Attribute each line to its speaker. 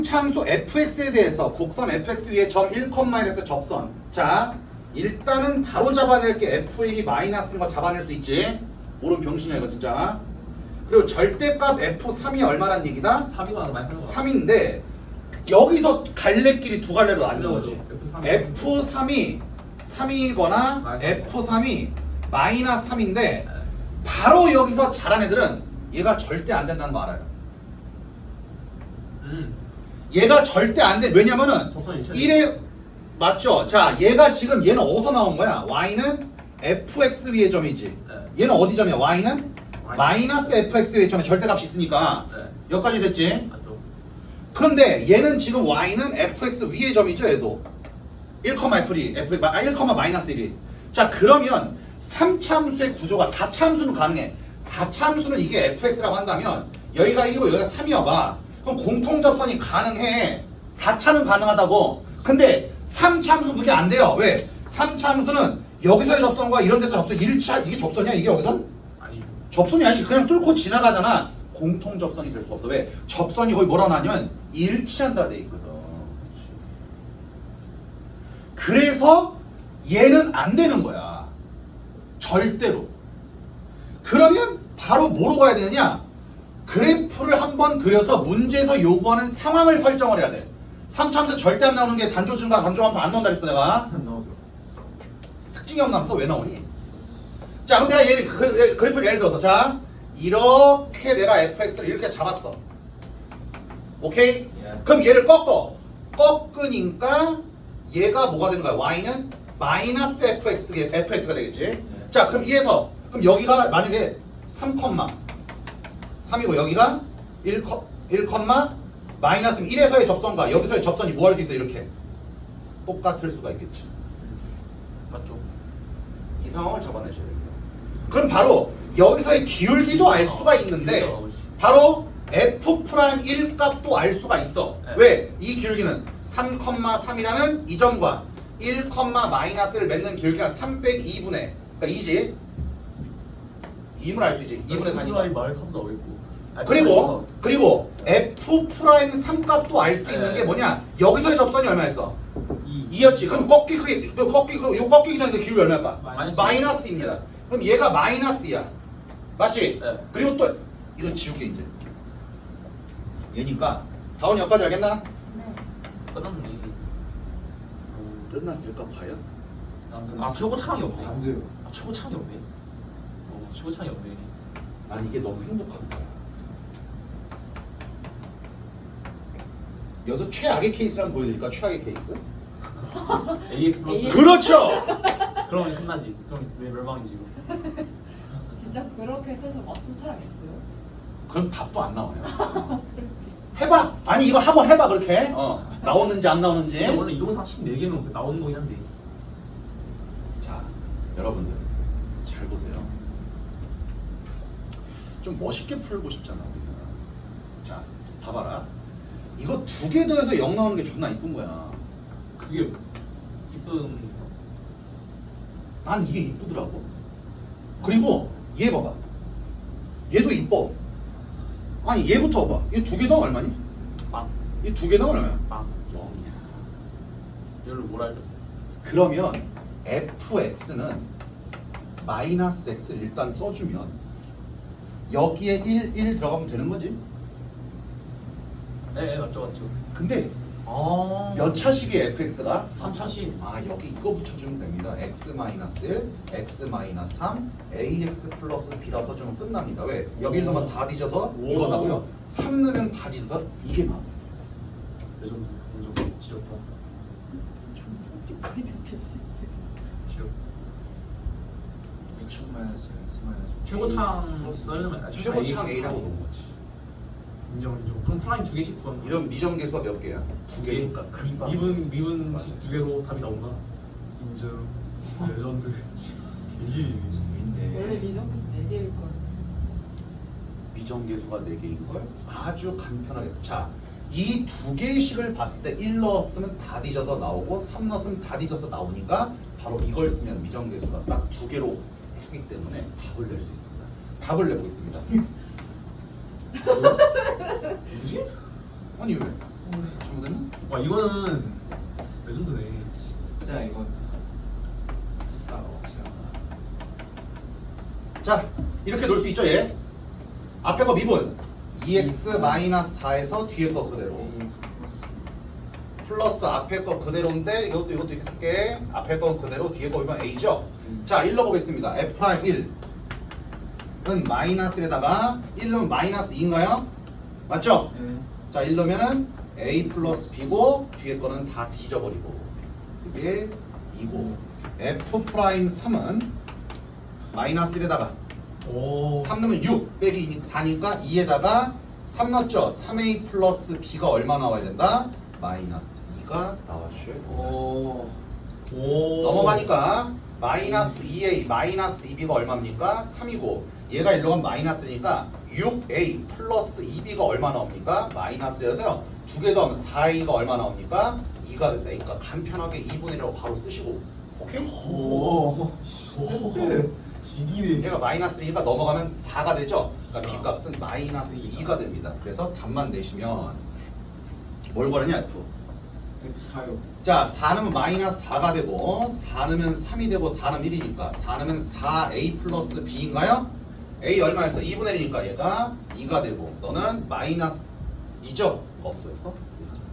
Speaker 1: 참수 fx에 대해서 곡선 fx 위에 점 1,1에서 접선. 자, 일단은 바로 잡아낼 게 f1이 마이너스인 거 잡아낼 수 있지. 모르면 병신이야 이거 진짜. 그리고 절대값 f3이 얼마란 얘기다?
Speaker 2: 3이가 많이 팔는 거
Speaker 1: 3인데 여기서 갈래길이 두 갈래로 나뉘는 거지.
Speaker 2: F3.
Speaker 1: F3이 3이거나
Speaker 2: 마이너스
Speaker 1: F3이 마이너스 3인데 바로 여기서 잘한 애들은 얘가 절대 안 된다는 거 알아요. 얘가 절대 안 돼. 왜냐면은
Speaker 2: 접선이
Speaker 1: 1에 맞죠? 자, 얘가 지금 얘는 어디서 나온 거야? y는 fx 위의 점이지. 얘는 어디 점이야? y는 마이너스 fx 위의 점에 절대값이 있으니까 여기까지 됐지?
Speaker 2: 맞죠?
Speaker 1: 그런데 얘는 지금 y는 fx 위의 점이죠. 얘도 1,1이 f 1, 마이너스 1이. 자, 그러면 3참수의 구조가 4참수는 가능해. 4참수는 이게 fx라고 한다면 여기가 1이고 여기가 3이어봐. 그럼 공통접선이 가능해. 4차는 가능하다고. 근데 3참수 그게 안 돼요. 왜? 3참수는 여기서의 접선과 이런 데서 접선 1차 이게 접선이야? 이게 여기선?
Speaker 2: 아니죠.
Speaker 1: 접선이 아니지. 그냥 뚫고 지나가잖아. 공통접선이 될 수 없어. 왜? 접선이 거의 뭐라고 하냐면 일치한다 돼 있거든. 그래서 얘는 안 되는 거야. 절대로. 그러면 바로 뭐로 가야 되느냐? 그래프를 한번 그려서 문제에서 요구하는 상황을 설정을 해야 돼. 3참수 절대 안 나오는 게 단조 증가, 단조 함수 안 나온다 그랬어 내가.
Speaker 2: 안 나오죠.
Speaker 1: 특징이 없는 함수 왜 나오니? 자, 그럼 내가 얘를 그래프를 예를 들어서 자 이렇게 내가 fx를 이렇게 잡았어. 오케이? 그럼 얘를 꺾으니까 얘가 뭐가 되는 거야? y는 마이너스 fx가 되겠지. 자, 그럼 이에서 그럼 여기가 만약에 3,3이고 여기가 1, 마이너스 1에서의 접선과 여기서의 접선이 뭐 할 수 있어? 이렇게 똑같을 수가 있겠지.
Speaker 2: 맞죠?
Speaker 1: 이 상황을 잡아내셔야 됩니다. 그럼 바로 여기서의 기울기도 알 수가 있는데 바로 f'1 값도 알 수가 있어. 왜? 이 기울기는 3,3이라는 이 점과 1, 마이너스를 맺는 기울기가 3 빼기 2분의 그러니까 2지. 2을 알 수 있지. 2분의 4니까.
Speaker 2: 말 3 나와 있고.
Speaker 1: 그리고 f'3 값도 알 수 있는 게 뭐냐? 여기서의 접선이 얼마였어? 2였지. 그럼 꺾이기 전에 그 기울기 얼마일까? 마이너스입니다. 그럼 얘가 마이너스야. 맞지?
Speaker 2: 네.
Speaker 1: 그리고 또 이건 지울게 이제. 얘니까 다운이 여기까지 알겠나?
Speaker 3: 네.
Speaker 2: 끝났는데 이게.
Speaker 1: 끝났을까 과연?
Speaker 2: 아 최고창이 없네.
Speaker 4: 안 돼요.
Speaker 2: 아 최고창이 없네. 최고창이 없네.
Speaker 1: 난 이게 너무 행복한 거야. 여기서 최악의 케이스를 한번 보여드릴까? 최악의 케이스?
Speaker 2: AS 플러스.
Speaker 1: 그렇죠!
Speaker 2: 그러면 끝나지. 그럼 왜 멸망이지 이거?
Speaker 3: 진짜 그렇게 해서 맞춘 사람 있어요?
Speaker 1: 그럼 답도 안 나와요. 해봐! 아니 이거 한번 해봐 그렇게. 나오는지 안 나오는지.
Speaker 2: 근데 원래 이동상 14개는 나오는 거긴 한데.
Speaker 1: 자, 여러분들 잘 보세요. 좀 멋있게 풀고 싶잖아 우리가. 자, 봐봐라. 이거 두 개 더해서 0 나오는 게 존나 이쁜 거야.
Speaker 2: 그게 기쁜.
Speaker 1: 난 이게 이쁘더라고. 그리고 얘 봐봐. 얘도 이뻐. 아니 얘부터 봐봐. 얘 두 개 더하면 얼마니?
Speaker 2: 빵.
Speaker 1: 얘 두 개 더하면 얼마야?
Speaker 2: 빵.
Speaker 1: 0이야.
Speaker 2: 얘를 뭐라 해야 돼?
Speaker 1: 그러면 fx는 마이너스 x를 일단 써주면 여기에 1 들어가면 되는 거지.
Speaker 2: 네 맞죠 맞죠.
Speaker 1: 근데
Speaker 2: 아.
Speaker 1: 몇 차식이에요 fx가?
Speaker 2: 3차식.
Speaker 1: 아 여기 이거 붙여주면 됩니다. x-1, x-3, ax 플러스 b라 써주면 끝납니다. 왜? 여기 1 넣으면 다 뒤져서 이거 나고요. 3 넣으면 다 뒤져서 이게 나와요.
Speaker 2: 레전드. 완전 지렸다.
Speaker 3: 솔직하게 느꼈어.
Speaker 2: 지렸.
Speaker 4: 9층 마이너스 X 마이너스
Speaker 2: 최고창 써야되면
Speaker 1: 최고창 a라고 놓은 거지.
Speaker 2: 인정. 그럼 프라임 2개씩 구하면.
Speaker 1: 이런 미정계수가 몇 개야? 두 개.
Speaker 2: 그러니까 미분씩 2개로 답이 나온다. 인정. 레전드. 이게
Speaker 3: 원래 미정수 4개일 걸.
Speaker 1: 미정계수가 4개인 걸 아주 간편하게. 자, 이 두 개의 식을 봤을 때 1 넣었으면 다 뒤져서 나오고 3 넣었으면 다 뒤져서 나오니까 바로 이걸 쓰면 미정계수가 딱 두 개로 하기 때문에 답을 낼 수 있습니다. 답을 내보겠습니다.
Speaker 2: 뭐지?
Speaker 1: 아니 왜? 잘못됐나?
Speaker 2: 와 이거는 레전드네.
Speaker 4: 진짜 이건
Speaker 1: 자, 이렇게 놓을 수 있죠, 얘? 앞에 거 미분 2x-4에서 뒤에 거 그대로 플러스 앞에 거 그대로인데 이것도 이렇게 쓸게. 앞에 거 그대로 뒤에 거 보면 a죠? 자, 1 넣어보겠습니다. f'1은 마이너스 1에다가 1 넣으면 마이너스 2인가요? 맞죠? 자, 1 넣으면은 a 플러스 b고 뒤에 거는 다 뒤져버리고 그게 2고 f'3은 마이너스 1에다가
Speaker 2: 오.
Speaker 1: 3 넣으면 6 빼기 4니까 2에다가 3 넣었죠? 3a 플러스 b가 얼마 나와야 된다? 마이너스 2가 나와줘야 된다.
Speaker 4: 오.
Speaker 2: 오.
Speaker 1: 넘어가니까 마이너스 2a 마이너스 2b가 얼마입니까? 3이고 얘가 일로 가면 마이너스 1이니까 6a 플러스 2b가 얼마 나옵니까? 마이너스 1이라서요. 두 개 더하면 4a가 얼마 나옵니까? 2가 됐어요. 그러니까 간편하게 2분의 1이라고 바로 쓰시고 오케이?
Speaker 4: 오.
Speaker 2: 지기네.
Speaker 1: 얘가 마이너스 1이니까 넘어가면 4가 되죠? 그러니까 b값은 마이너스 2가 됩니다. 그래서 답만 내시면 뭘 구하느냐 F.
Speaker 4: F4요.
Speaker 1: 자, 4 넣으면 마이너스 4가 되고 4 넣으면 3이 되고 4 넣으면 1이니까 4 넣으면 4a 플러스 b인가요? a 얼마였어? 2분의 1이니까 얘가 2가 되고 너는 마이너스 2죠? 없어서